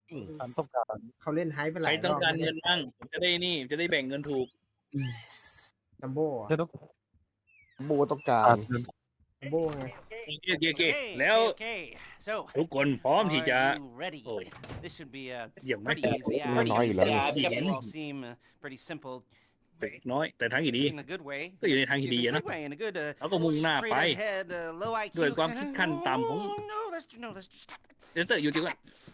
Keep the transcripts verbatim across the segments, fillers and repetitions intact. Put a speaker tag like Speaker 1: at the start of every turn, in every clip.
Speaker 1: ฉันต้องการ
Speaker 2: เขาเล่นไฮป์ไปห
Speaker 3: ใค
Speaker 2: ลาร ยร
Speaker 3: ต้อ
Speaker 2: อง บ
Speaker 3: การ
Speaker 2: แล้ว
Speaker 3: เงิ
Speaker 2: เนี่ย
Speaker 3: นบ้างผมจะได้นี่จะได้แบ่งเงินถูก
Speaker 2: จัมโบ้อะ
Speaker 1: ฉันต้อง
Speaker 4: โบต้องการ
Speaker 1: การเงิน
Speaker 2: จัมโบ้ไง
Speaker 3: โอเคโอเคโอเค
Speaker 5: Okay,
Speaker 3: แล้ว
Speaker 5: okay, so
Speaker 3: ทุกคนพร้อมที่จะ
Speaker 5: are you ready?
Speaker 3: Oh.
Speaker 5: This should be uh,
Speaker 3: เยี่ยมไหม
Speaker 5: pretty easy. Uh,
Speaker 4: น้อยอยู่แล้ว
Speaker 5: easy. You all seem uh, pretty simple
Speaker 3: เล็กน้อยแต่ทางที่ดี
Speaker 5: in a good way.
Speaker 3: ก็อยู่ในทางที่
Speaker 5: In
Speaker 3: ดี
Speaker 5: a
Speaker 3: อะนะ
Speaker 5: good way, in a good, uh,
Speaker 3: เราก็มุ่งหน้าไป
Speaker 5: straight ahead, uh, low 'ไอ คิว
Speaker 3: ด้วยความคิดขั้นต่ำของ
Speaker 5: No, no, let's do- no, let's just stop it.
Speaker 3: เดนเตอร์อยู่จริงว่า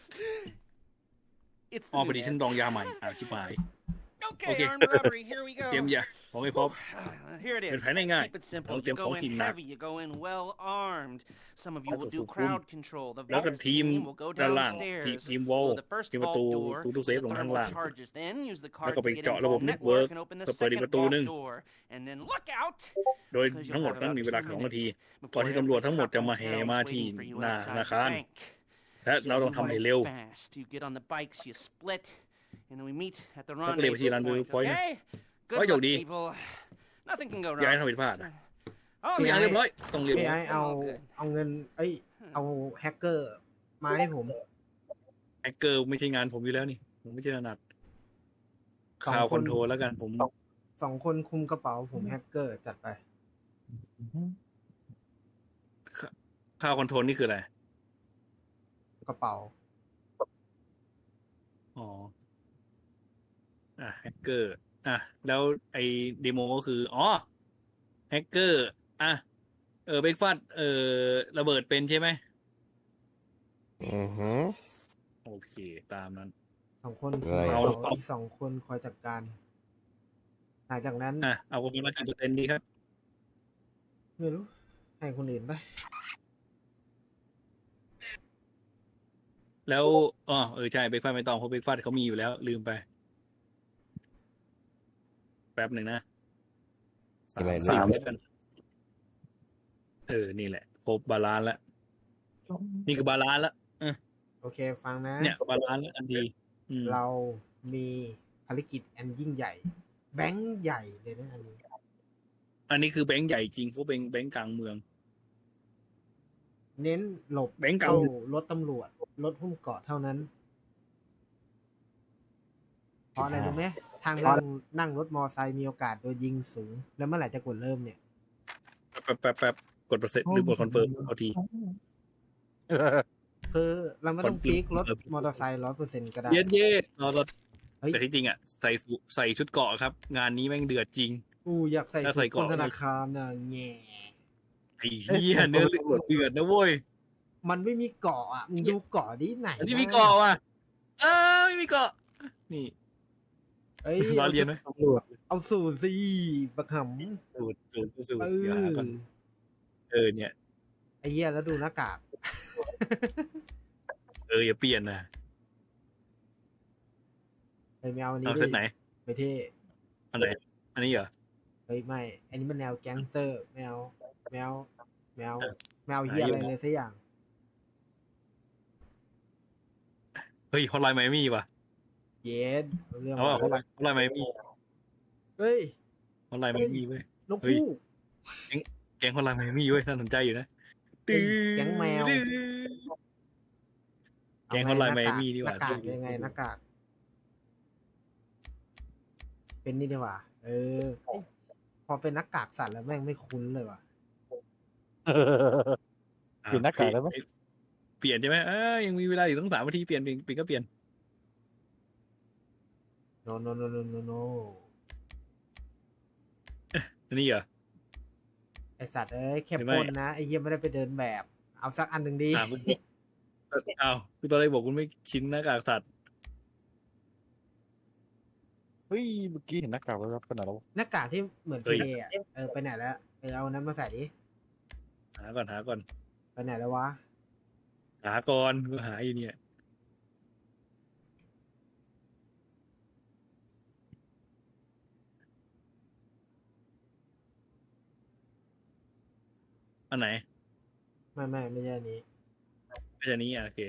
Speaker 5: It's
Speaker 3: อ๋อ
Speaker 5: the
Speaker 3: พอดี
Speaker 5: new
Speaker 3: ฉัน
Speaker 5: head.
Speaker 3: ดองยาใหม่อ่าชิบหาย
Speaker 5: Okay,
Speaker 3: Okay.
Speaker 5: armed robbery. Here we go.
Speaker 3: เตรียมยาผมไม่พบ
Speaker 5: Uh, Here it
Speaker 3: เป็น
Speaker 5: is.
Speaker 3: แผนง่าย
Speaker 5: Keep it simple.
Speaker 3: Don't
Speaker 5: You
Speaker 3: them
Speaker 5: go
Speaker 3: phone
Speaker 5: in
Speaker 3: team knock.
Speaker 5: heavy. You go in well armed. Some of you will
Speaker 3: That's a
Speaker 5: do
Speaker 3: full
Speaker 5: crowd control. The
Speaker 3: แล้วก็
Speaker 5: vault
Speaker 3: ทีม
Speaker 5: team will go
Speaker 3: ด้านล่างที
Speaker 5: downstairs.
Speaker 3: ทีมวอล
Speaker 5: Blow the first
Speaker 3: ทีมประ
Speaker 5: vault
Speaker 3: ตู
Speaker 5: door
Speaker 3: ตูตู้เซฟ
Speaker 5: with
Speaker 3: ลงข้าง
Speaker 5: thermal
Speaker 3: ล่าง
Speaker 5: charges. Then use the
Speaker 3: แล้ว
Speaker 5: card
Speaker 3: ก็
Speaker 5: to
Speaker 3: ไป
Speaker 5: get
Speaker 3: เจาะ
Speaker 5: into
Speaker 3: ระบบ
Speaker 5: the
Speaker 3: เน็ตเวิร์ก
Speaker 5: network and open the
Speaker 3: เพื่อเปิดอีก
Speaker 5: second
Speaker 3: ประตูหนึ่ง
Speaker 5: vault door. And then look out
Speaker 3: โดยทั้งหมดนั้นมีเวลาสองนาที ก่อนที่ตำรวจทั้งหมดจะมาแห่มาที่หน้าธนาคาร และเราต้องทำให้เร็ว
Speaker 5: Fast. You get on the bikes, you split, and then we meet at the
Speaker 3: แล้วก็เรียกไปที่
Speaker 5: rendezvous
Speaker 3: rendezvous
Speaker 5: point.
Speaker 3: point นะ
Speaker 5: Okay?
Speaker 3: ขอให้
Speaker 5: Good
Speaker 3: โช
Speaker 5: luck,
Speaker 3: คดี
Speaker 5: people. Nothing can go
Speaker 3: อย่าให้
Speaker 5: wrong.
Speaker 3: ทำผิดพลาดนะ
Speaker 5: Oh,
Speaker 3: ทุกอย่าง
Speaker 5: yeah.
Speaker 3: เรียบร้อยต้องเรียบ
Speaker 2: พี่
Speaker 3: ร้อย
Speaker 2: ไอเอาเอาเงิน เอ้ย เอาแฮกเกอร์มาให้ผม
Speaker 3: แฮกเกอร์ไม่ใช่งานผมอยู่แล้วนี่ผมไม่ใช่ถนัด
Speaker 2: สอง
Speaker 3: ข่าว
Speaker 2: ค
Speaker 3: คน อนโทรลแล้วกันผม
Speaker 2: สองคนคุมกระเป๋าผมแฮกเกอร์จัดไป
Speaker 3: ข่าวคอนโทรลนี่คืออะไร
Speaker 2: กระเป๋า
Speaker 3: อ๋อ อ่ะแฮกเกอร์ อ่ะ แล้วไอ้เดโมก็คือ อ๋อ แฮกเกอร์ อ่ะ เออเบรกฟาสเออระเบิดเป็นใช่ไหม
Speaker 4: อือหือ
Speaker 3: โอเค ตามนั้น
Speaker 2: สองคนคุม
Speaker 4: อะไร
Speaker 2: กระ
Speaker 3: เอา
Speaker 2: เป๋าอีกสองคนคอยจัดการ หลังจากนั้น
Speaker 3: อ่ะ เอาคนละกี่เปอร์เซ็นต์ดีครับ
Speaker 2: ไม่รู้ ให้คนอื่นไป
Speaker 3: แล้ว อ๋อ เออ ใช่เบรกฟาสไม่ต้องเพราะเบรกฟาสเขามีอยู่แล้ว ลืมไป แป๊บหนึ่งนะสา
Speaker 4: อะไร
Speaker 3: ม
Speaker 4: นะ
Speaker 3: สิบแล้วกัน เออ นี่แหละ ครบบาลานซ์แล้ว นี่คือบาลานซ์แล้ว
Speaker 2: โอเค ฟังนะ
Speaker 3: เนี่ยบาลานซ์แล้วอันดีอืม
Speaker 2: เรามีภารกิจอันยิ่งใหญ่ แบงค์ใหญ่เลยนะอันนี้
Speaker 3: อันนี้คือแบงค์ใหญ่จริงเพราะเป็นแบงค์กลางเมือง
Speaker 2: เน้นหลบ
Speaker 3: แบงค์เก่า
Speaker 2: เข้ารถตำรวจ รถหุ้มเกาะเท่านั้น เพราะอะไรรู้ไหมทางนั่งนั่งรถมอไซค์มีโอกาสโดนยิงสูง แล้วเมื่อไหร่จะกดเริ่มเนี่ย
Speaker 3: แป๊บแป๊บแป๊บกดเปอร์เซ็นต์หรือกดคอนเฟิร์มเอาที
Speaker 2: คือเราไม่ต้อง
Speaker 3: คน
Speaker 2: ฟิกรถ
Speaker 3: เออ
Speaker 2: มอเตอร์ไซค์ร้อยเปอร์เซ็นต์ก็ได้
Speaker 3: เย็นเย่เราเรา
Speaker 2: เฮ้ย
Speaker 3: แต่ที่จริงอ่ะใส่สูใส่ชุดเกราะครับ งานนี้แม่งเดือดจริง
Speaker 2: กูอยากใส่
Speaker 3: ถ้าใส่
Speaker 2: ชุด
Speaker 3: เกราะ
Speaker 2: คนธนาคารน่ะแง่
Speaker 3: ไอ้เหี้ยเนื้อเรื่องเดือดนะเว้ย
Speaker 2: มันไม่มีเกาะอ่ะมึงดูเกาะที่ไหน
Speaker 3: อันนี้มีเกราะว่ะเออไม่มีเกราะนี่
Speaker 2: เอ้ย
Speaker 3: รอเรียนไหม
Speaker 2: ตำรวจเอาสู่สิบักห
Speaker 3: สูตรสูตรสูต
Speaker 2: ำ
Speaker 3: ร
Speaker 2: เอ
Speaker 3: เดี๋ยวหาก่อน
Speaker 2: อ
Speaker 3: เออเนี่ย
Speaker 2: ไอ้เหี้ยแล้วดูหน้ากาก
Speaker 3: เอออย่าเปลี่ยนนะ
Speaker 2: ไอ้แมวอันนี้
Speaker 3: เอาเซตไหน
Speaker 2: ไปเท่
Speaker 3: อันไหนอันนี้เหรอ
Speaker 2: เฮ้ยไม่ อันนี้มันแนวแก๊งสเตอร์ แมว แมว แมว
Speaker 3: เออ
Speaker 2: แมวเฮียอะไรเลยสักอย่าง
Speaker 3: เฮ้ยฮอตไลน์ไมมี่ว่ะ
Speaker 2: เย็ดเรื่อง
Speaker 3: เอาว่าฮอตไลน์ฮอตไลน์ไมมี่
Speaker 2: เฮ้ย
Speaker 3: ฮอตไลน์ไมมี่เว้ย
Speaker 2: นก
Speaker 3: เฮ้ย
Speaker 2: คู่
Speaker 3: แก๊งฮอตไลน์ไมมี่เว้ยน่าสนใจอยู่นะ
Speaker 2: เฮ้ยแก๊งแมว
Speaker 3: แก๊งฮอตไลน์ไมมี่ดีกว่า
Speaker 2: หน้ากากยังไงหน้ากาก เป็นนี่ดีกว่า เออเอ้ยพอเป็นหน้ากากสัตว์แล้วแม่งไม่คุ้นเลยว่ะ
Speaker 1: เปลี่ยนหน้ากากได้ไหม
Speaker 3: เปลี่ยนใช่ไหมเออยังมีเวลาอยู่ตั้งสามนาทีเปลี่ยนเปลี่ยนเปลี่ยนก็เปลี่ยน
Speaker 2: โนโนโนโนโนโน
Speaker 3: อันนี้เหรอ
Speaker 2: ไอสัตว์เอ้ยแค่
Speaker 3: หรือไม่
Speaker 2: ปล้นนะไอเฮียไม่ได้ไปเดินแบบ เอาสักอันหนึ่งดี
Speaker 3: อ่าคุณอ้าวคุณตอนแรกบอกคุณไม่ชินหน้ากากสัตว์
Speaker 1: เฮ้ยเมื่อกี้เห็นหน้ากากแล้วขนาดเรา
Speaker 2: หน้ากากที่เหมือน
Speaker 3: เฮ้
Speaker 2: พี
Speaker 3: ย
Speaker 2: เดอ่ะเออไปไหนแล้วเออเอาอันนั้นมาใส่ดิ
Speaker 3: หาก่อนหาก่อน
Speaker 2: ไปไหนแล้ววะ
Speaker 3: หาก่อนก็หาอยู่เนี่ยอันไหน
Speaker 2: ไม่ไม่ไม่ใช่อันนี้
Speaker 3: ไม่ใช่อันนี้อ่ะโอเค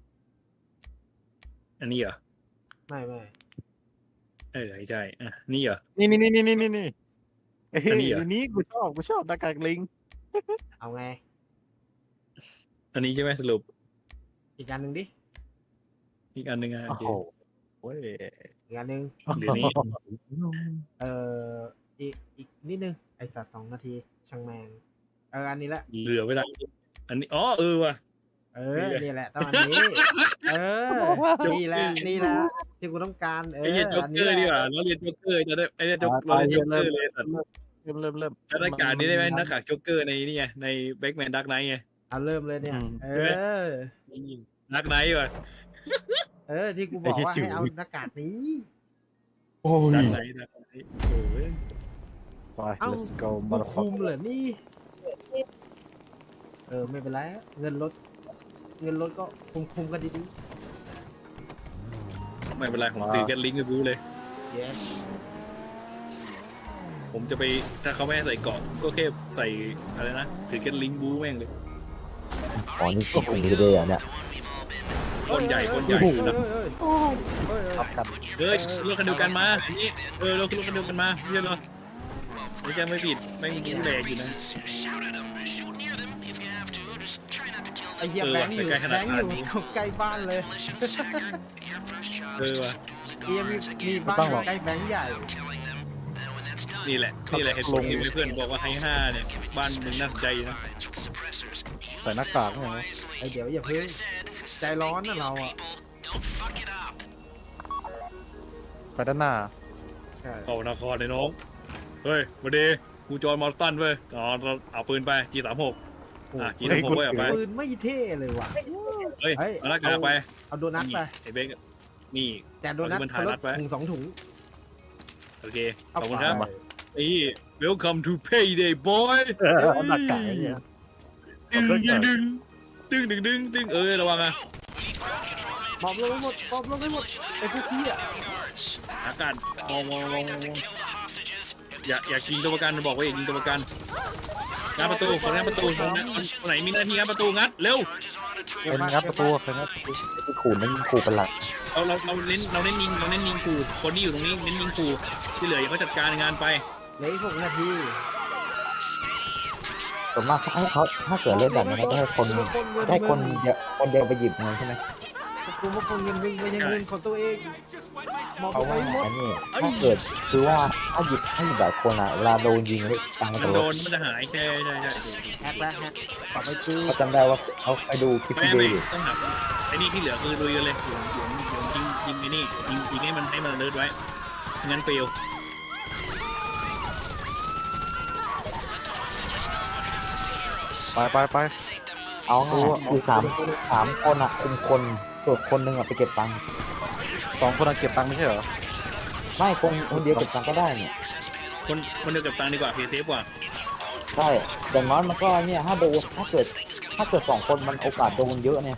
Speaker 3: อันนี้เหรอ
Speaker 2: ไม่ไม่
Speaker 3: เออใช่อ่ะนี่เหรอ
Speaker 1: นี่นี่นี่นี่นี่นี่เฮ้ย
Speaker 3: อันนี้เหรอ
Speaker 1: อันนี้กูชอบกูชอบหน้ากากลิง
Speaker 2: เอาไง
Speaker 3: อันนี้ใช่ไหมสรุป
Speaker 2: อีกอันหนึ่งดิ
Speaker 3: อีกอันหนึ่งอ่ะโอ
Speaker 1: โอ้
Speaker 3: เค
Speaker 1: โหเว้ย
Speaker 2: อีกอันหนึ่ง
Speaker 3: เดี๋ยวนี้
Speaker 2: เอ่ออีกอีกนิดนึงไอสัตว์สองนาทีช่างแมงเอออันนี้แหละ
Speaker 3: เหลือเวลาอันนี้อ๋อเออว่ะ
Speaker 2: เออนี่แหละต้องอันนี้ เออนี่แหละนี่แหละที่กูต้องการเอ
Speaker 3: ไอ้
Speaker 2: อ
Speaker 3: เหี้ยโจ๊ก
Speaker 2: อัน
Speaker 3: เก
Speaker 2: นี้
Speaker 3: อ
Speaker 2: แห
Speaker 3: ร์ดีก
Speaker 2: ละ
Speaker 3: ว่าเราเรียนโจ๊กเกอร์จะได้ไอ้เนี่ยโจ๊กเราเรียนโจ๊กเกอร์เลยสัตว์
Speaker 1: เริ่มเริ่มเริ่ม
Speaker 3: หน้ากากนี้ได้ไหมหน้ากากโจ๊กเกอร์ในนี่ไงในแบ็กแมนดักไนท์ไง
Speaker 2: เอาเริ่มเลยเนี่ย เออ
Speaker 3: ดักไนท์ว่ะ
Speaker 2: เออที่กูบอกว่าให้เอาหน้ากากนี้
Speaker 1: โอ้
Speaker 3: ดั
Speaker 1: ย
Speaker 3: กไนท์ดักไนท์โอ้ย
Speaker 1: ไป
Speaker 2: เอ้า
Speaker 1: let's go
Speaker 2: กูคุม
Speaker 1: motherfucker
Speaker 2: เหรอนี่ เออไม่เป็นไรเงินลดเงินลดก็คุมคุมกันดี
Speaker 3: ไม่เป็นไรผมซื้อแกนลิงก์ไปบู๊เลย
Speaker 2: ๆ yes
Speaker 3: ผมจะไปถ้าเขาไม่ให้ใส่เกราะก็แค่ใส่อะไรนะถือแกนลิงก์บู๊แม่งเลย
Speaker 4: อ๋อนี่ก็คงจะได้อะเนี่ย
Speaker 3: คนใหญ่คนใหญ่
Speaker 2: เฮ้ย
Speaker 3: นะ
Speaker 2: เฮ้ยเฮ้ยเฮ้ย
Speaker 1: รับกัน
Speaker 3: เฮ้ยรถคันเดียวกันมานี่เออรถรถคันเดียวกันมาเยอะเลยไม่ใช่ไม่ผิดแม่งบู๊แหลกอยู่นะ
Speaker 2: ไอ้เหี้ย
Speaker 3: เออ
Speaker 2: แบงค์อยู่
Speaker 3: ใกล้ขนาด
Speaker 2: แบงค์อยู่
Speaker 3: นี้
Speaker 2: ใกล้บ้านเลย
Speaker 3: เออว่ะ
Speaker 2: เหี้ยมีมีบ้านอยู่ใกล้แบงค์ใหญ่
Speaker 3: นี่แหละนี่แหละเหตุผลที่เพื่อนบอกว่าให้ห้าเนี่ยบ้านมึงน่าสนใจนะ
Speaker 1: ใส่หน้ากากเนี่ยนะ
Speaker 2: ไอ้เดี๋ยวอย่าเพิ่งใจร้อนนะเราอ่ะ
Speaker 1: ไปด้านหน้า
Speaker 2: ใช่
Speaker 3: เข้านครเลยน้องเฮ้ยมาดีกูจอห์นมอร์ตันเว้ยอ๋อเอาปืนไป จี สามหก อ่ะ จี สามหกไว้เอาไป
Speaker 2: ปืนไม่เท่เลยว่ะ
Speaker 3: เฮ้ย
Speaker 2: เฮ้ย
Speaker 3: มาละกากไป
Speaker 2: เอาโดนัทไป
Speaker 3: ไอ้เบงนี่
Speaker 2: แต่โดนัท
Speaker 3: เอาที่มัน
Speaker 2: ค
Speaker 3: ถ่าย
Speaker 2: น
Speaker 3: นั
Speaker 2: ละ
Speaker 3: ดไว้
Speaker 2: ถุงสองถุง
Speaker 3: โอเค ข
Speaker 2: เอา
Speaker 3: อบคุณ
Speaker 2: ไป
Speaker 3: ครับไอ้ welcome to payday boy
Speaker 1: เอาหน้ากากไอ้เนี่ย
Speaker 3: ดึงดึงดึงดึงดึงดึงดึงเออระวังอ่ะ
Speaker 2: มอบลงไปหมดมอบลงไปหมดไอ้พวกพี่อ่ะ
Speaker 3: อากาศมองมองมองมองอย่าอย่ายิงตัวประกันบอกว่าอย่ายิงตัวประกันงัดประตูคนงัดประตูคนไหนมีหน้าที่งัดประตูงัดเร็ว
Speaker 1: เป็นงัดประตูเป็นงัด
Speaker 4: ที่ขู่นั่นขู่เป็นหลัก
Speaker 3: เราเราเราเน้นเราเน้นยิงเราเน้นยิงขู่คนที่อยู่ตรงนี้เน้นยิงขู่ที่เหลืออย่าเขาจัดการงานไป
Speaker 2: เหลืออีกหกนาที
Speaker 4: ส่วนมากถ้าเขาถ้าเกิดเล่นแบบนี้ก็ให้คนให้คนเดียวคนเดียวไปหยิบเงินใช่ไหม
Speaker 2: กูมาคนเงินวิ่งไปยังเงินของตัวเองมอบ
Speaker 4: เพราะ
Speaker 2: ไป
Speaker 4: ว่า
Speaker 2: หมด
Speaker 4: อันนี้ถ้าเกิดคือว่าถ้าหยิบถ้าหยิบหลายคนอ่ะเวลาโดนยิงเลยตังค์
Speaker 3: มัน
Speaker 4: จะล
Speaker 3: โด
Speaker 4: ด
Speaker 3: นมันจะหายใช่ใช่ใช่
Speaker 2: แฮกแล้วแฮกต่อไปคือ
Speaker 4: เขาจำได้ว่าเขาไปดูคลิป
Speaker 3: ไม่
Speaker 4: ที่ดู
Speaker 3: ไม่
Speaker 4: อยู่
Speaker 3: ต้องหาไอ้นี่ที่เหลือคือลุยกันเลยหยวนหยวนหยวนยิงยิงไอ้นี่ยิงยิงให้มันให้มันเลิศไว้งั้นเฟล
Speaker 1: ไปไปไป
Speaker 4: เอาไงคือสามสามคนอ่ะคุมคนส่วนคนหนึ่งอ่ะไปเก็บตังค์
Speaker 1: สองคนเอาเก็บตังค์ไม่ใช่เหรอ
Speaker 4: ไม่คนคนเดียวเก็บตังค์ก็ได้เนี่ย
Speaker 3: คนคนเดียวกับตังค์ดีกว่าเพย์เซฟกว่า
Speaker 4: ใช่อย่างน้อยมันก็เนี่ยถ้าโดนถ้าเกิดถ้าเกิดสองคนมันโอกาสโดนเยอะเนี่ย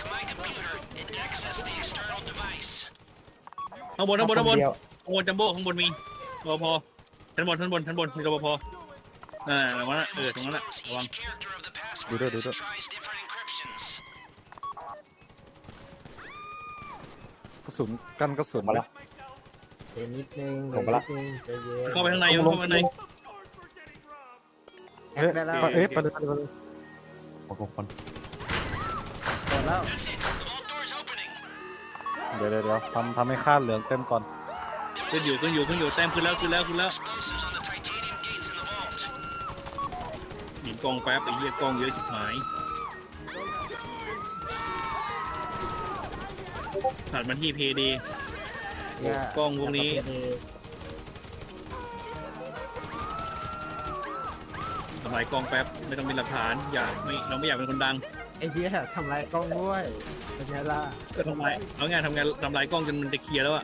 Speaker 3: ข้างบนข้างบนข้างบน
Speaker 4: เดียว
Speaker 3: ข้างบนจัมโบ้ข้างบนมีรปภชั้นบนชั้นบนชั้นบนมีรปภนั่นแหละระวังนะเออตรงนั้นแหละระวัง
Speaker 1: ดูด้วยดูด้วยกระสุนกันกระสุน
Speaker 4: มาแล้ว
Speaker 2: เดี๋ยวนิดนึง
Speaker 4: ลงไปละ
Speaker 2: เดี๋ยวนิดนึงใจเย็น
Speaker 3: เข้าไปข้างในเข้าไปข้างใน
Speaker 2: แฮกได้แล้ว
Speaker 1: เอ๊ะไปเลยไปเลยไปเลย
Speaker 4: โอ้โหคน
Speaker 2: เปิดแล้ว
Speaker 1: เดี๋ยวเดี๋ยวเดี๋ยวทำทำให้ค่าเหลืองเต็มก่อน
Speaker 3: ขึ้นอยู่ขึ้นอยู่ขึ้นอยู่แต้มขึ้นแล้วขึ้นแล้วขึ้นแล้วหยิงกองแป๊บไอ้เหี้ยกองเยอะชิบหายถัดมาที่เพย์ดี
Speaker 2: เนี่ย
Speaker 3: กล้องพวกนี้ ทำลายกองแป๊บไม่ต้องมีหลักฐานอย่าไม่เราไม่อยากเป็นคนดัง
Speaker 2: ไอ้เหี้ยทำลายกล้องด้วยเป็นไงล่ะ
Speaker 3: ก็ทำลายเอางานทำงานทำลายกล้องจนมันจะเคลียร์แล้วอะ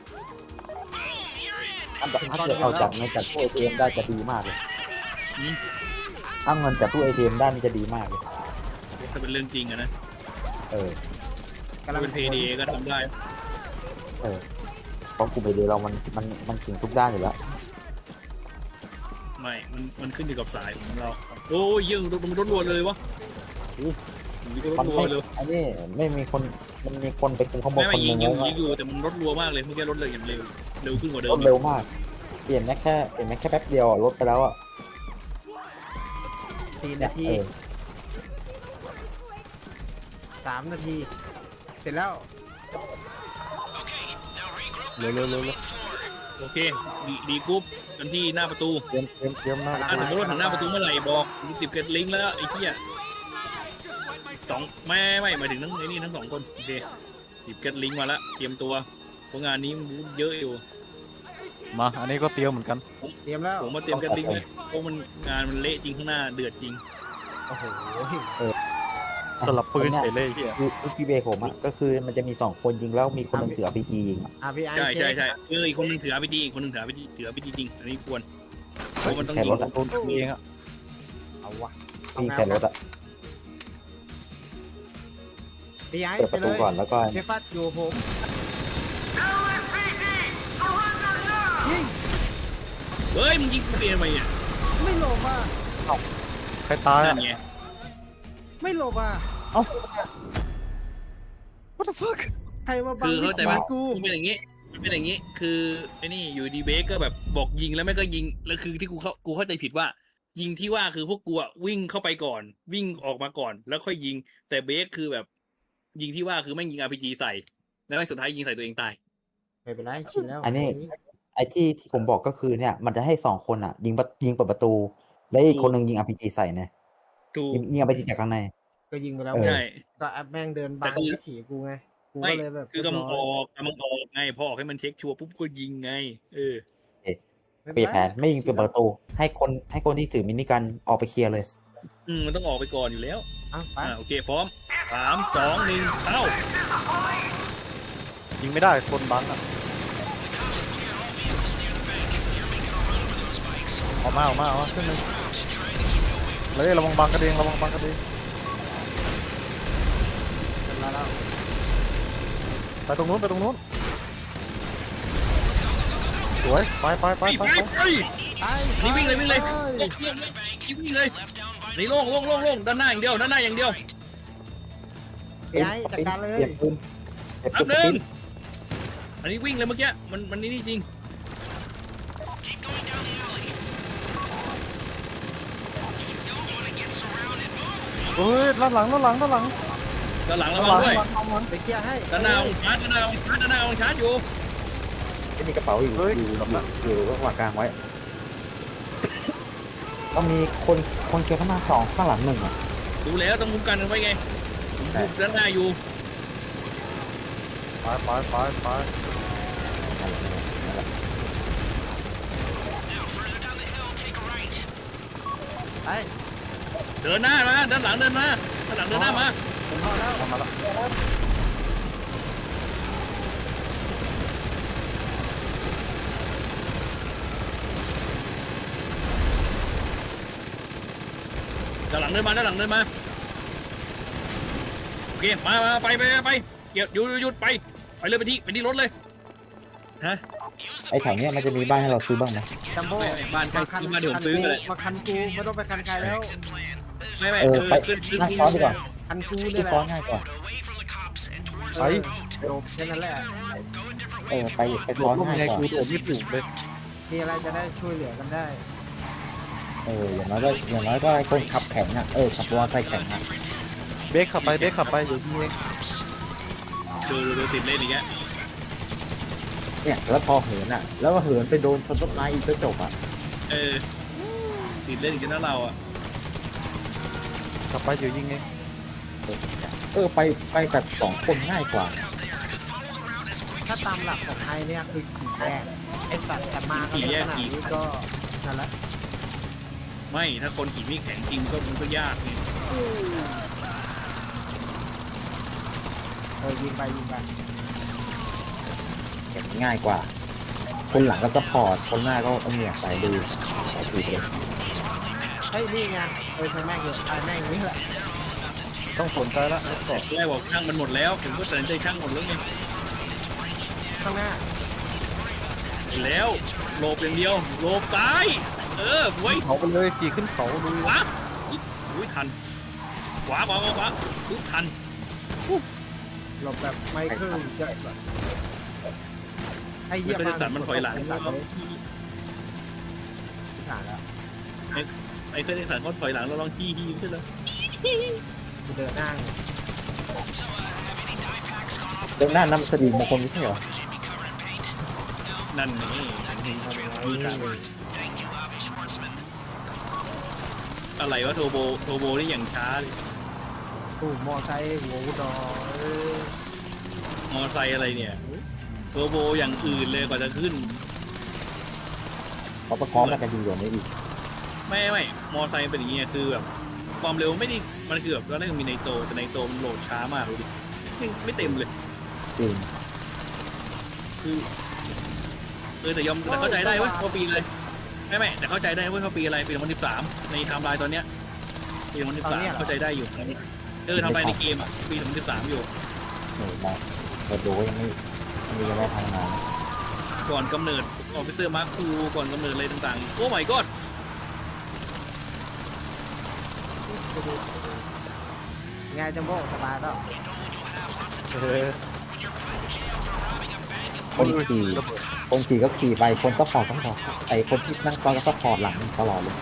Speaker 4: ถ้าถ้าเกิดเอาจากเงินจากตู้ เอ ที เอ็ม ได้จะดีมากเลยถ้าเงินจากตู้ เอ ที เอ็ม ได้มันจะดีมากเลย
Speaker 3: ถ้าเป็นเรื่องจริงอะนะ
Speaker 4: เออ
Speaker 2: กำลั
Speaker 3: ถ้าง เป็นเพย์ดีก็ทำได้
Speaker 4: เออเพราะกลุ่มไอเดียเรามันมันมันถึงทุกด้านอยู่แล้ว
Speaker 3: ไม่มันมันขึ้นอยู่กับสายของเราโอ้ยยังมันรถรัวเลยวะโอ้ยก็ร
Speaker 4: มั
Speaker 3: ถ
Speaker 4: น
Speaker 3: รัว
Speaker 4: ไม่
Speaker 3: เลย
Speaker 4: อันนี้ไม่มีคนมันมีคนไปคุมข้างบน
Speaker 3: ไม่
Speaker 4: ค
Speaker 3: ไม่
Speaker 4: นห
Speaker 3: ยิ
Speaker 4: นึ
Speaker 3: ง
Speaker 4: ง
Speaker 3: ยิง
Speaker 4: แล้ว
Speaker 3: ยิงอยู่แต่มันรถรัวมากเลยเมื่อกี้รถเลยอย่างเร็วเร็วขึ้นกว่าเดิ
Speaker 4: ร
Speaker 3: ม
Speaker 4: ถเร็วมาก เปลี่ยนแค่แค่เปลี่ยนแค่แป๊บเดียวอะรถไปแล้วอ่ะ
Speaker 2: สี่
Speaker 4: เนี่
Speaker 2: นาย ที
Speaker 4: เออ
Speaker 2: สามนาที เสร็จแล้ว
Speaker 1: เร็วเร็วเร็วเร็ว
Speaker 3: โอเคดีดีกรุ๊ปกันที่หน้าประตู
Speaker 1: เตรียมเตรียมเตรียมหน้า
Speaker 3: ถ้าสมมติว่าถึงหน้าประตูเมื่อไหร่บอกติดเกตลิงก์แล้วไอ้เหี้ยสองไม่ไม่หมายถึงทั้งไอ้นี่ทั้งสองคนโอเคติดเกตลิงก์มาแล้วเตรียมตัวเพราะงานนี้มันเยอะอยู่
Speaker 1: มาอันนี้ก็เตรียมเหมือนกัน
Speaker 2: เตรียมแล้ว
Speaker 3: ผมมาเตรียมเกตลิงก์เลยเพราะมันงานมันเละจริงข้างหน้าเดือดจริง
Speaker 2: โอ้โห
Speaker 1: สลับปืนเฉยเลยเฮีย
Speaker 4: คือคือพี่เบย์ผมอ่ะก็คือมันจะมีสองคนยิงแล้วมีคนหนึงถือ อาร์ พี จี ยิงอะ
Speaker 2: อ่ะพี่ไอ
Speaker 3: ใช่
Speaker 2: เช็
Speaker 3: ใช่
Speaker 2: ค
Speaker 3: ใช่เอออีกคนนึงถืออาร์พีจีอีกคนนึงถืออาร์พีจีถืออาร์พีจีจริงอันนี้ควรเพราะมันต้อง
Speaker 4: แค่
Speaker 3: ยิง
Speaker 4: รถอะ
Speaker 1: โดนเองอะ
Speaker 2: เอาวะ
Speaker 4: ยิงแค่รถอะ
Speaker 2: พี่ไอ
Speaker 4: เปิด
Speaker 2: ไป
Speaker 4: ประ
Speaker 2: เล
Speaker 4: ตู
Speaker 2: ย
Speaker 4: ก่อนแล้วก็
Speaker 2: พี่ฟัดอยู่ผม
Speaker 3: เฮ้ยมึงยิงกูเองทำไมเนี่ย
Speaker 2: ไม่หลบอ่ะ
Speaker 1: ใครตาย
Speaker 3: นั่
Speaker 1: อะ
Speaker 3: นไง
Speaker 2: ไม่หลบอ่ะ
Speaker 1: What the fuck
Speaker 2: ใครมาบัง
Speaker 3: คือเข้าใจ
Speaker 2: วิ
Speaker 3: ไหม
Speaker 2: ถีกู
Speaker 3: มันเป็นอย่างงี้มันเป็นอย่างงี้คือไอ้นี่อยู่ดีเบสก็แบบบอกยิงแล้วไม่ก็ยิงแล้วคือที่กูเข้ากูเข้าใจผิดว่า ยิงที่ว่าคือพวกกูอะวิ่งเข้าไปก่อน วิ่งออกมาก่อน แล้วค่อยยิง แต่เบสคือแบบ ยิงที่ว่าคือไม่งยิงอาร์พีจีใส่แล้วสุดท้ายยิงใส่ตัวเองตาย
Speaker 2: ไม่เป็นไรชินแล้ว
Speaker 4: อันนี้ไอ้ที่ที่ผมบอกก็คือเนี่ย มันจะให้สองคนอ่ะ ยิงประยิงเปิดประตู แล้วอีกคนหนึงยิง อาร์ พี จี ใส่เนี่ย
Speaker 3: กู
Speaker 4: ยิงยิง อาร์ พี จี จากข้างใน
Speaker 2: ก็ยิงไปแล้ว
Speaker 4: เออ
Speaker 3: ใช่
Speaker 2: ก็แอปแม่งเดินบั
Speaker 3: แต่
Speaker 2: ง
Speaker 3: คือ
Speaker 2: วิถีกูไงกู
Speaker 3: ไม่
Speaker 2: ก็เลยแบบ
Speaker 3: คือกำลังอ
Speaker 2: เรียบร้
Speaker 3: อกกำลังออกไงพอออกให้มันเช็คชัวร์ปุ๊บก็ยิงไง เออ
Speaker 2: ไม่
Speaker 4: เปลี่ยนแผนไม่ยิงเปิดประตู ให้คนให้คนที่ถือมินิกันออกไปเคลียร์เลย
Speaker 3: อืมมันต้องออกไปก่อนอยู่แล้ว
Speaker 2: อ่ะไป
Speaker 3: อ่าโอเคพร้อมสามสองหนึ่งเข้า
Speaker 1: ยิงไม่ได้คนบังอะออกมาออกมาออกมาขึ้นเลยเลยระวังบังกระเดงระวังบังกระเดง
Speaker 2: เป็นไรแล้ว
Speaker 1: ไปตรงนู้นไปตรงนู้นสวยไปไปไป
Speaker 3: ไป
Speaker 1: ไป
Speaker 3: ไป
Speaker 1: ไป
Speaker 3: ไปนี่วิ่งเลยวิ่งเลยวิ่งเลยนี่โล่งโล่งโล่งโล่งด้านหน้าอย่างเดียวด้านหน้าอย่างเดียว
Speaker 2: พี่ไอจัดการเลย
Speaker 4: เปลี่ยนปืนเปลี่ยน
Speaker 3: อั
Speaker 4: ปื
Speaker 3: พ
Speaker 4: น
Speaker 3: หนึ่ง
Speaker 4: สปิน
Speaker 3: อันนี้วิ่งเลยเมื่อกี้มันมันนี่นี่จริง
Speaker 1: เฮ้ยด้านหลังด้านหลังด้านหลัง
Speaker 3: ด้านหลังระ
Speaker 1: ด้านห
Speaker 3: วั
Speaker 1: ลั
Speaker 3: ง
Speaker 1: ง
Speaker 3: ด้วย
Speaker 1: ด้านหลังด้านหลัง
Speaker 2: ไปเคลียร์ให้
Speaker 3: ด้านหน้าองชาร์จด้านหน้าองชาร์จด้านหน้าองชาร์จอยู่
Speaker 4: ไม่มีกระเป๋าอยู่
Speaker 1: เฮ้ย
Speaker 4: อยู่อยู่อยู่ระหว่างกลางไว้ต้องมีคนคนเคลียร์ข้างหน้าสองข้างหลังหนึ่งอ่ะ
Speaker 3: ดูแล้วต้องคุ้มกันกันไว้ไงผมคุมด้านหน้าอยู่
Speaker 1: ไปไปไปไป
Speaker 2: ไป
Speaker 3: เดินหน้ามาด้านหลังเดินมาด้านหลังเดินหน้ามา
Speaker 2: ผมเข้าแล้ว
Speaker 1: ทำมาละ
Speaker 3: ด้านหลังเดินมาด้านหลังเดินมาโอเคมามาไปไปไปเกี่ยวหยุดหยุดหยุดไปไปเลยไปที่ไปที่รถเลยฮะ
Speaker 4: ไอ้แถวเนี้ยมันจะมีบ้านให้เราซื้อบ้างไหม
Speaker 2: จัมโบ้
Speaker 3: ไม่ไม่บ้านใกล้คือบ้านเดี๋ยวผมซื้อเลย
Speaker 2: มาคันกูไม่ต้องไปคันใครแล้ว
Speaker 3: ไม่ไม่
Speaker 4: เออ
Speaker 3: คือ
Speaker 4: ไป
Speaker 3: ขึ้นขึ้น
Speaker 4: นั่งซ้อนดีกว่า
Speaker 2: คันกู
Speaker 4: ที่
Speaker 2: เนี่ยแห
Speaker 4: ซ้อ
Speaker 2: ละ
Speaker 4: นง่ายกว่า
Speaker 1: ไป
Speaker 2: จบแค่นั้นแหละ
Speaker 4: เออไปไป
Speaker 1: โด
Speaker 4: ซ้อ
Speaker 1: ด
Speaker 4: น
Speaker 1: ร่ม
Speaker 4: ง่าย
Speaker 1: ไง
Speaker 4: กว่า
Speaker 1: กูโดดไม่ถูกเลย
Speaker 2: มีอะไรจะได้ช่วยเหลือกันได้
Speaker 4: เอออย่างน้อยก็อย่างน้อยก็ไอ้คนขับแข็งอ่ะเออขับมอเตอร์ไซค์แข็งอ่ะ
Speaker 1: เบรกขับไปเบรกขับไปอยู่ที่เอง
Speaker 3: ดูดูดูติดเล่นอีกแล้ว
Speaker 4: เนี่ยแล้วพอเหินอ่ะ แล้วก็เหินไปโดนต้นไม้อีกก็จบอ่ะ
Speaker 3: เออติดเล่นอีกแล้วเราอ่ะ
Speaker 1: ขับไปอยู่ยิงเอง
Speaker 4: เออไปไปแบบสองคนง่ายกว่า
Speaker 2: ถ้าตามหลักของไทยเนี่ยคือขี่แยกไอ้สัตว์แต่มากันขนาดนี้ก็นั่นแหละ
Speaker 3: ไม่ถ้าคนขี่ไม่แข็งจริงก็มันก็ยากไง
Speaker 2: เออยิงไปยิงไป
Speaker 4: อย่างง่ายกว่า คนหลังก็สปอร์ตคนหน้าก็เอาเนี่ยใส่ดูใส่ถูกเลย
Speaker 2: เฮ้ยนี่ไงเออใช่แม่งเลยไอ้แม่งนี่แหละ
Speaker 1: ต้องสนใจแล้วรถเกาะ
Speaker 3: แรกบอกช่างมันหมดแล้วผมก็ตัดสินใจช่างหมดแล้วไง
Speaker 2: ข้างหน้า
Speaker 3: เห็นแล้วโลบอย่างเดียวโลบซ้ายเออไว้ย
Speaker 1: เขาไปเลยขี่ขึ้นเขาดู
Speaker 3: ขวาอุ้ยทันขวาขวาขวาขวาปุ๊บทัน
Speaker 2: หลบแบบไม่ครึ่งเยอะแบบไอ้
Speaker 3: ไม่
Speaker 2: เหี้ย
Speaker 3: เคยสัตว์มันถอยหลัง
Speaker 2: สัตว์เลยขาดแล้ว
Speaker 3: ไอ้เคยสัตว์เขาถอยหลังเราลองจี้ฮีใช่ไหม
Speaker 2: กูเดินหน้าไง
Speaker 4: เดินหน้านำสดีมงคลไม่ใช่เหรอ
Speaker 3: นั่นนี่อะไรวะโทโบโทโบนี่อย่างช้าเลย
Speaker 2: ตู้มอไซค์หัวอุดรเออ
Speaker 3: มอไซค์อะไรเนี่ยโทโบอย่างอื่นเลยกว่าจะขึ้น
Speaker 4: เขาประกอบแล้วกันดีกว่านี้อีก
Speaker 3: ไม่ไม่มอไซค์เป็นอย่างเงี้ยคือแบบความเร็วไม่ได้มันคือแบบตอนแรกมันมีไนโตรแต่ไนโตรมันโหลดช้ามากดูดิไม่ไม่เต็มเลย
Speaker 4: จริง
Speaker 3: คือเออแต่ยอมแต่เข้าใจได้เว้ยว่าปีอะไรไม่ไม่แต่เข้าใจได้เว้ยว่าปีอะไรปีสองพันสิบสามในไทม์ไลน์ตอนเนี้ยปีสองพันสิบสามเข้าใจได้อยู่เออทำลายในเกมอ่ะปีสองพันสิบสามอยู่
Speaker 4: เหนื่อยมากแต่ดูยังไม่ยังไม่ได้ทำงาน
Speaker 3: ก่อนกำเนิดออฟฟิเซอร์มาร์คคูก่อนกำเนิดอะไรต่างๆโอ้ my god
Speaker 2: ไงจัมโบ้สบายแล้ว
Speaker 1: เออ
Speaker 4: คนขี่คนขี่ก็ขี่ไปคนซัพพอร์ตซัพพอร์ตไอคนที่นั่งซ้อนก็ซัพพอร์ตหลังตลอดเลย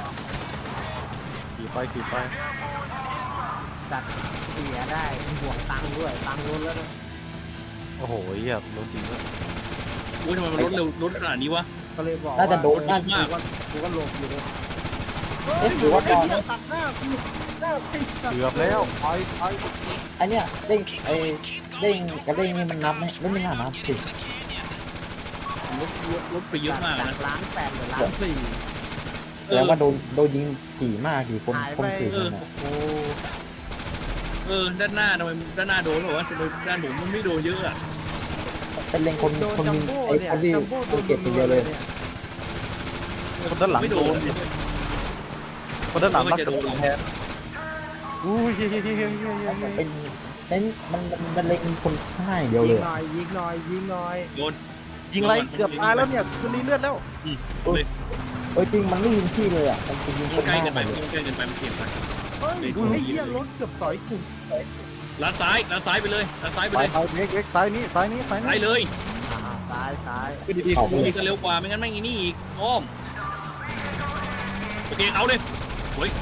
Speaker 1: ขี่ไปขี่ไป
Speaker 2: จัดเสียได้ห่วงตังค์ด้วยตังค์ล้นแล้วนะ
Speaker 1: โอ้โหเหี้ยรถจริงด้วย
Speaker 3: อุ้ยทำไมมันลดเร็วลดขนาดนี้วะ
Speaker 2: ก็เลยบอก
Speaker 4: น่าจะโดนน่า
Speaker 2: กูก็กูก็หลบอยู่เลย
Speaker 4: เอ๊ะหรือว่าตอน
Speaker 2: เฮ้ยตัดหน้ากูหน้าติดตัด
Speaker 1: เกือบแล้วไปไป
Speaker 4: ไอเนี้ยเด้งไอเด้งกับเด้งนี่มันนับไหมไม่ไม่น่านับสิ
Speaker 3: ลดลดลดไปเยอะมาก
Speaker 2: จา
Speaker 3: นะ
Speaker 2: กล้านแปดเหลือล้านสี่
Speaker 4: แล้วว่าโดนโดนยิงขี่มากขี่คน
Speaker 2: หาย
Speaker 4: ค
Speaker 2: ไป
Speaker 4: นขี่คนอ่ะ
Speaker 2: โอ้
Speaker 3: เออด้านหน้าทำไมด้านหน้าโดนหรอวะทำไมด้านผมมันไม่โดนเยอะอ่ะ
Speaker 4: เป็นเล็งคน
Speaker 2: โดน
Speaker 4: คน
Speaker 2: จัม
Speaker 4: ยิง
Speaker 2: โบ้
Speaker 4: ไอ
Speaker 2: เนี่ย
Speaker 4: คนที่
Speaker 2: จัมโบ้โด
Speaker 4: คน
Speaker 2: น
Speaker 4: เก็บคนเดียวเลย
Speaker 1: คนด้านหลัง
Speaker 3: ไม่
Speaker 1: โด
Speaker 3: โด
Speaker 1: น
Speaker 3: น
Speaker 1: ดิคนด้านหลัง
Speaker 3: ก็
Speaker 1: รับ
Speaker 3: จะโดน
Speaker 1: แทนอุ้ยเฮ้ยเฮ้ยเฮ้ยเฮ้ยเฮ้ยเฮ้ย
Speaker 4: เป็นเน้นมันมันมันเล็งคนข้างหน้าอย่างเดียว
Speaker 2: ยิ
Speaker 4: เล
Speaker 2: ง
Speaker 4: ย
Speaker 2: หน่อยยิงหน่อยยิงหน่อย
Speaker 3: โดน
Speaker 1: ยิงไรเกือบตายแล้วเนี่ยคือรีเลือดแล้ว
Speaker 3: อืมเลย
Speaker 4: เออจริงมันไม่ยิงที่เลยอ่ะมันจะยิงค
Speaker 3: มัน
Speaker 4: น
Speaker 3: ใก
Speaker 4: ห
Speaker 3: ล้
Speaker 4: น้า
Speaker 3: เกิน
Speaker 4: ห
Speaker 3: ไป
Speaker 4: มดเลย
Speaker 3: มันใกล้เกินไปมันเปลี่ยนไป
Speaker 2: เฮ้ย
Speaker 3: ไม่
Speaker 2: ไอ้
Speaker 3: ถูก
Speaker 2: เหี้ยรถเกือบต่อยกู
Speaker 3: ลัดซ้ายลัดซ้ายไปเลยลัดซ้ายไป
Speaker 1: ไป
Speaker 3: เลย
Speaker 1: ไปเวกเวกซ้ายนี้ซ้ายนี้ซ้าย
Speaker 3: ซ้าย
Speaker 1: นี้
Speaker 3: เลย
Speaker 2: อ่าซ้ายซ้าย
Speaker 1: ขึ้นดีๆ
Speaker 4: เอา
Speaker 1: ขึ้น
Speaker 3: นี่
Speaker 1: ดี
Speaker 3: ก็เร็วกว่าไม่งั้นไม่งี้นี่อีกอ้อมโอเคเอาเลยโอ้ย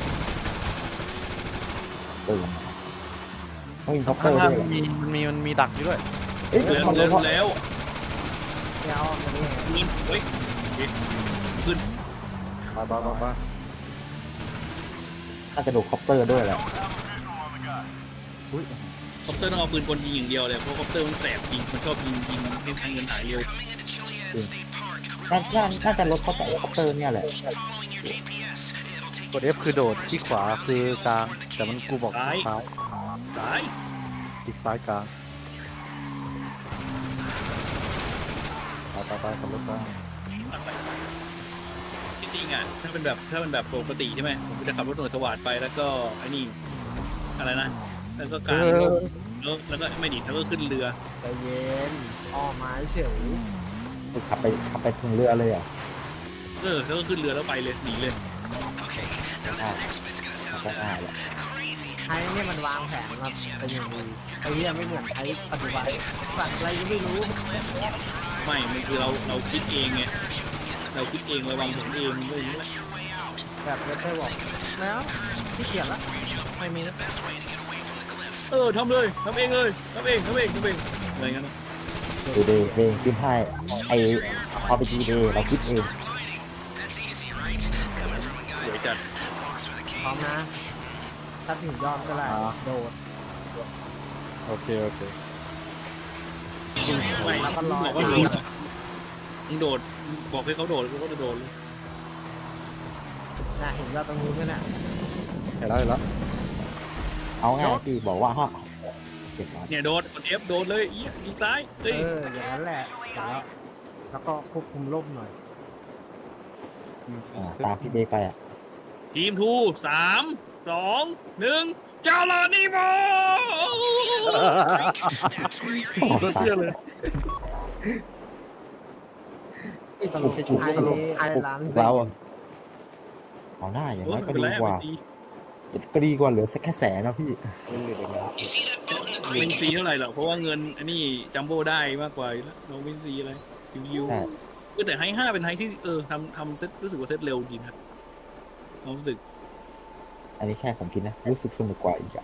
Speaker 4: ตื่นต้องยิงท็อปเป
Speaker 1: ข้า
Speaker 4: อง ร์
Speaker 1: หน้า
Speaker 4: ด้วย
Speaker 1: มันมีมันมีมันมีดักอยู่ด้วย
Speaker 4: เอ้ย
Speaker 3: เร็ว
Speaker 4: มันเล
Speaker 3: เร็
Speaker 4: ยว เพราะ
Speaker 3: แล้ว
Speaker 2: เดี๋ยวอันนี้
Speaker 3: เงินเฮ้ยขึ้น
Speaker 1: ไปไปไปไป
Speaker 4: น่าจะโดดคอปเตอร์ด้วยแหละ
Speaker 1: อุ้ย
Speaker 3: คอปเตอร์ต้องเอาปืนกลยิงอย่างเดียวเลยเพราะคอปเตอร์มันแสบยิงมันชอบยิงยิงให้ทางเงินหายเร็ว
Speaker 4: น่าน่าน่าจะลดคอปเตอร์คอปเตอร์เนี่ยแหละ
Speaker 1: กด F คือโดดที่ขวาคือกลางแต่มันกูบอกที่ซ้าย
Speaker 3: สาย
Speaker 1: ที่ซ้ายกลางไปไปไปขับรถไป
Speaker 3: จริงๆอ่ะถ้าเป็นแบบถ้าเป็นแบบปกติใช่ไหมผมจะขับรถตำรวจสวัสดไปแล้วก็ไอ้นี่อะไรนะแล้วก็กลางร่มแล้วแล้วก็ไม่ดิแล้วก็ขึ้นเรือ
Speaker 2: ใจเย็นอ้อมไม้เฉย
Speaker 4: ขับไปขับไปถึงเรือเลยอ่ะ
Speaker 3: เออแล้วก็ขึ้นเรือแล้วไปเลยหนีเลย
Speaker 4: อ่าก็ง่ายแหละ
Speaker 2: ไอ้เนี่ยมันวางแผนมาเป็นอย่างดีไอ้เนี่ยไม่เหมือนไอ้ปัจจุบันสัตว์อะไรยังไม่รู้
Speaker 3: ไม่มันคือเราเราคิดเองไงเราคิดเองเราวางแผนเองไม่รู้
Speaker 2: แบบไม่เคยบอกแล้วที่เกียจละไม่มีนะ
Speaker 3: เออทำเลยทำเองเลยทำเองทำเองทำเองอะไรเงี้ยนะ
Speaker 4: ดูเดย์เดย์คิดให้ไอพอไปทีเดย์เราคิดเอง
Speaker 3: สวยจัด
Speaker 2: พร้อมนะถ้าถึงยอมก็ได้โดด
Speaker 1: โอเคโอเค
Speaker 3: ไม่
Speaker 2: แล้วก็รอ
Speaker 3: บอกว่าโดดมึงโดดบอกให้เขาโดดเขาก็จะโดดเลย
Speaker 2: น่ะเห็นเราตรงนู้นไหมน่ะ
Speaker 1: เห็นแล้วเห็นแล้ว
Speaker 4: เอาง่ายที่บอกว่าห้ามเก็บไว้
Speaker 3: เนี่ยโดดกด F โดดเลยอีอีซ้าย
Speaker 2: เอ
Speaker 3: เอ้ย
Speaker 2: ออย่างนั้นแหละแล้วแล้วก็ควบคุมร่มหน่อย
Speaker 4: อ่าตามพี่เดย์ไปอ่ะ
Speaker 3: ทีมทูสามสองหนึ่งเจ้าลานิโม
Speaker 1: รถเที่ยวเลย
Speaker 2: ตลกไอ้ไอ้ร้าน
Speaker 4: เราอะเอาหน้าอย่าง
Speaker 3: โอ้
Speaker 4: นั้น
Speaker 3: ไม่
Speaker 4: ก็
Speaker 3: เป็น
Speaker 4: ดี
Speaker 3: ไร
Speaker 4: กว่า
Speaker 3: ไม่ซี
Speaker 4: ก็ดีกว่าเหลือสักแค่แสนนะพี่
Speaker 3: ไม่ซีเท่าไหร่หรอกเพราะว่าเงินอันนี้จัมโบ้ได้มากกว่าอยู่แล้วเราไม่ซีอะไรยิว
Speaker 4: ใช่
Speaker 3: ๆก็แต่ไฮห้าเป็นไฮที่เออทำทำเซตรู้สึกว่าเซตเร็วจริงครับความรู้สึก
Speaker 4: อันนี้แค่ผมคิดนะรู้สึกสนุกกว่าอีกอ่ะ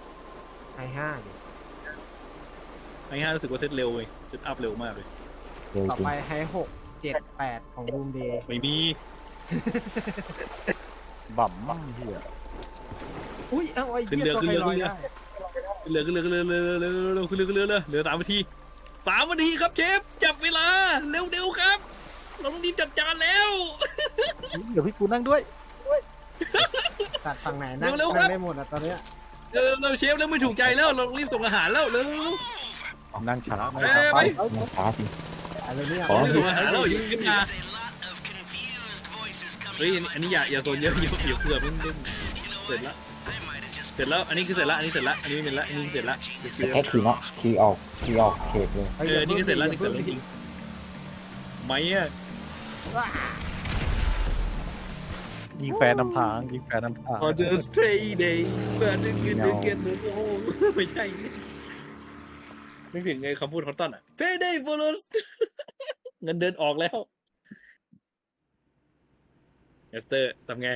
Speaker 2: ไอ้ห้าดิ
Speaker 3: ไฮห้ารู้สึกว่าเซตเร็วเลยเซตอัพเร็วมากเลย
Speaker 4: เร็ว
Speaker 2: ต่อ
Speaker 4: จริง
Speaker 2: ไปไฮหกเจ็ดแปดของบูมเดย์
Speaker 3: ไม่มี
Speaker 1: บ่ำมั่งเหี้ย
Speaker 2: อุ้ยเอาไอ้เหี้ยตัวใครลอยได้
Speaker 3: เหลือเหลือเหลือเหลือเหลือเหลือเหลือเหลือเหลือเหลือเหลือสามนาทีสามนาทีครับเชฟจับเวลาเร็วเร็วครับเราต้องรีบจัดจานแล้ว
Speaker 1: เดี๋ยวพี่กูนั่งด้วย
Speaker 2: ตัดฝั่งไหนนั่ง
Speaker 3: เร็วๆครับ
Speaker 2: นั่งได้หมดอ่ะตอนเนี้ย
Speaker 3: เร็วเร็วเชฟเร็วไม่ถูกใจแล้วเรารีบส่งอาหารแล้วเร็ว
Speaker 1: นั่งช้านั่ง
Speaker 3: เอ้
Speaker 1: ช้าย
Speaker 3: ไป
Speaker 4: มันช้าจริง
Speaker 2: อะไรเนี่ย
Speaker 4: อ๋อ
Speaker 3: รีบส่งอาหารแล้วอย่าขึ้นมาเฮ้ยอันนี้อย่าอย่าโซนเยอะอย่าอย่าเผื่อมันเสร็จแล้วเสร็จแล้วอันนี้คือเสร็จแล้วอันนี้เสร็จแล้วอันนี้ไม่เป็นละอันนี้เสร็จแล้ว
Speaker 4: แต่แค่คีย์เนาะคีย์ออกคีย์ออกเขตเลย
Speaker 3: เออนี่ก็เสร็จแล้วนี่เสร็จแล้วจริงไม่อะ
Speaker 1: ยิงแฟนนำทางยิงแฟนนำทาง
Speaker 3: พอเจอสเตย์เดย์เพื่อนนึกเกินนึกเกินโอ้โหไม่ใช่นึกถึงไงคำพูดของต้นอ่ะ Payday bonus เงินเดือนออกแล้วเอสเตอร์ทำไง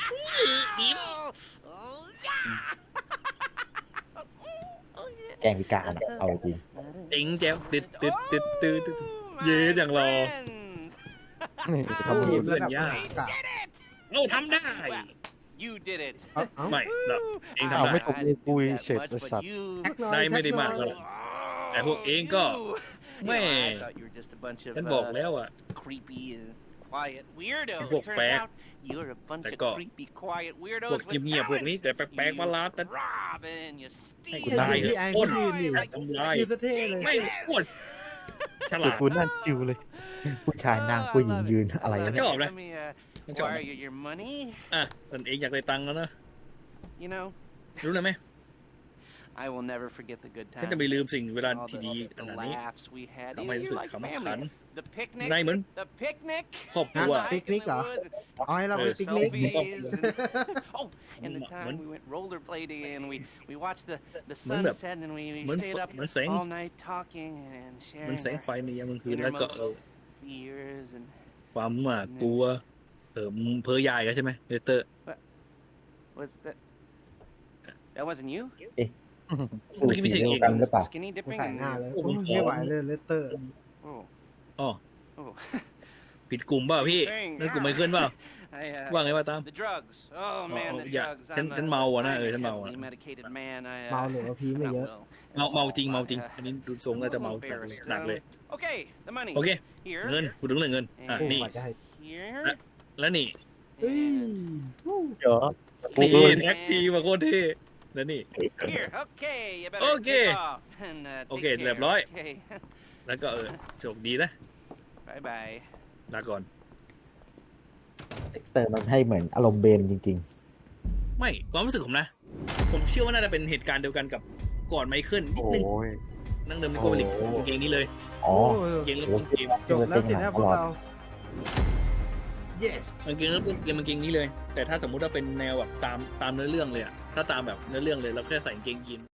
Speaker 4: แกงพิการอะเอาจริง
Speaker 3: จริงแจ๋วติดติดติดติดติดเย้จังรอ
Speaker 1: นี่
Speaker 2: ทำ
Speaker 1: ทำ
Speaker 2: ที
Speaker 1: ที
Speaker 2: ม
Speaker 1: ม
Speaker 2: ระดับ
Speaker 3: ยาก
Speaker 2: กะ
Speaker 3: เอ้าทำได้
Speaker 5: You did it.
Speaker 2: เอ้าเอ้า
Speaker 3: ไม่เราเอง
Speaker 1: อ้าว
Speaker 3: ทำได้
Speaker 1: ไม่ตกมือกุย
Speaker 5: That
Speaker 1: เฉด
Speaker 5: much,
Speaker 1: ไอ้
Speaker 5: but
Speaker 1: สัตว์
Speaker 5: you-
Speaker 3: ได้ไม่ได้มากเท่าไหร่ แต่พวกเองก็
Speaker 5: You
Speaker 3: แม่
Speaker 5: know, I thought you were just a bunch of
Speaker 3: ฉันบอก
Speaker 5: uh,
Speaker 3: แล้วอ่ะ
Speaker 5: creepy and quiet weirdos.
Speaker 3: พวก
Speaker 5: Turns
Speaker 3: แปลก
Speaker 5: out you're a bunch
Speaker 3: แต่
Speaker 5: of
Speaker 3: ก็
Speaker 5: creepy quiet
Speaker 3: พว
Speaker 5: weirdos
Speaker 3: ก
Speaker 5: with
Speaker 3: เงียบๆพวกนี้
Speaker 5: talent.
Speaker 3: แต่แปลกๆมาลาแต่
Speaker 5: You rob and you
Speaker 3: ให้กู
Speaker 5: steal.
Speaker 3: ตาย
Speaker 2: พี่ไอ้
Speaker 3: ปล้น
Speaker 2: พี่ยืนอยู่
Speaker 3: ทำลาย
Speaker 2: ยืนสะเท่เลย
Speaker 3: ไม่ปล้นฉ
Speaker 1: เดี๋
Speaker 3: ลา
Speaker 1: ยว
Speaker 3: ด
Speaker 1: กูนั่งชิวเลย
Speaker 4: ผู้ชายนั่งผู้หญิงยืนอะไร
Speaker 5: Let
Speaker 4: วะ
Speaker 5: me-
Speaker 4: เนี่ย
Speaker 3: ชอบนะ
Speaker 5: let me, uh,
Speaker 3: มันชอบ
Speaker 5: wire you your money.
Speaker 3: อ่ะตนเองอยากได้ตังค์แล้วนะ
Speaker 5: You know,
Speaker 3: รู้เลยไหม
Speaker 5: I will never forget the good
Speaker 3: ฉัน
Speaker 5: times.
Speaker 3: จะไม่ลืมสิ่งเวลา
Speaker 5: all
Speaker 3: ที่
Speaker 5: the,
Speaker 3: ดี
Speaker 5: all
Speaker 3: ข
Speaker 5: the
Speaker 3: นาดนี้
Speaker 5: laughs we had.
Speaker 3: ทำให้
Speaker 5: You-
Speaker 3: รู้
Speaker 5: you're
Speaker 3: สึก
Speaker 5: like
Speaker 3: ขำ
Speaker 5: family.
Speaker 3: ขัน
Speaker 5: The picnic.
Speaker 3: ในเหมือน
Speaker 5: The picnic.
Speaker 3: ครอบครัว
Speaker 2: ปิกนิกเหรอ เอาให้เราไป
Speaker 3: เออ
Speaker 2: ปิกนิก
Speaker 5: Selfies and- oh, and the
Speaker 3: เหมือน
Speaker 5: time we went rollerblading and we we watched the the
Speaker 3: เหมือนแบบ
Speaker 5: sunset and we, we
Speaker 3: เหมือน
Speaker 5: stayed up
Speaker 3: เหมือนแสง
Speaker 5: all night talking and
Speaker 3: มัน
Speaker 5: sharing
Speaker 3: แสง
Speaker 5: our
Speaker 3: ไฟในยามกลางคืนแล้วก็เออ
Speaker 5: fears and
Speaker 3: ความหวาดกลัว เออมึงเพ้อยายกันใช่ไหมเดเตอร์
Speaker 5: was that that wasn't you?
Speaker 4: สูตรสีเดียวกันหรือเปล่า
Speaker 5: Skinny
Speaker 2: กู
Speaker 5: dipping
Speaker 2: ใส่
Speaker 5: and
Speaker 2: หน้าเลย
Speaker 3: โอ้โห
Speaker 2: ไม่ไหวเลยเลสเตอร์
Speaker 5: oh
Speaker 3: อ๋อ
Speaker 5: oh
Speaker 3: ผิดกลุ่มเปล่าพี่นั่นกลุ่มไมเคิลเปล่า
Speaker 5: I, uh,
Speaker 3: ว่าไงว่าตาม
Speaker 5: the drugs. Oh man, the
Speaker 3: อย่า
Speaker 5: drugs.
Speaker 3: ฉัน
Speaker 5: I'm
Speaker 3: ฉัน
Speaker 5: a
Speaker 3: เมาอ่ะนะ
Speaker 5: I'm
Speaker 3: เอ
Speaker 5: a
Speaker 3: อฉันเมาอ่ะ
Speaker 5: heavily medicated man. I, uh,
Speaker 2: เมาหรือว่าพีไม่
Speaker 5: not
Speaker 2: เยอะ
Speaker 5: well.
Speaker 3: เมาเมาจริงเมาจริง อันนี้ดูทรงน่าจะเมาหนักเลย
Speaker 5: Okay, the money.
Speaker 3: โอเค
Speaker 5: Here.
Speaker 3: เงินพูดถึงเรื่องเงิน อ่ะ
Speaker 2: โอ้
Speaker 3: นี่
Speaker 2: กว่าจะให้
Speaker 5: Here.
Speaker 3: แล้วนี่
Speaker 2: เฮ้ย
Speaker 1: เดี๋ยว
Speaker 3: นี่แท็กทีมาโคตรเท่แล้วนี่
Speaker 5: Here. Okay. You better
Speaker 3: Okay.
Speaker 5: take off and uh, take
Speaker 3: Okay,
Speaker 5: care.
Speaker 3: เรียบร้อย
Speaker 5: Okay.
Speaker 3: แล้วก็เออโชคดีนะ
Speaker 5: Bye bye.
Speaker 3: ลาก่อน
Speaker 4: เอ็กเตอร์มันให้เหมือนอารมณ์เบนจริง
Speaker 3: ไม่ความรู้สึกผมนะ ผมเชื่อว่าน่าจะเป็นเหตุการณ์เดียวกันกับก่อนไมเคิลนิด
Speaker 1: โอ้
Speaker 3: นึง
Speaker 1: ย
Speaker 3: นั่งเดิมในโกลิกกางเกงนี้เลย
Speaker 4: ๆ อ๋อ
Speaker 2: โอ้
Speaker 3: กางเกงแล้ว
Speaker 4: โอ้
Speaker 3: กางเกง
Speaker 2: จบแล้วสินะพวกเรา yes
Speaker 3: กางเกงแล้วกางเกงนี้เลย แต่ถ้าสมมุติว่าเป็นแนวแบบตามตามเนื้อเรื่องเลยอะถ้าตามแบบเนื้อเรื่องเลยเราแค่ใส่กางเกงยีน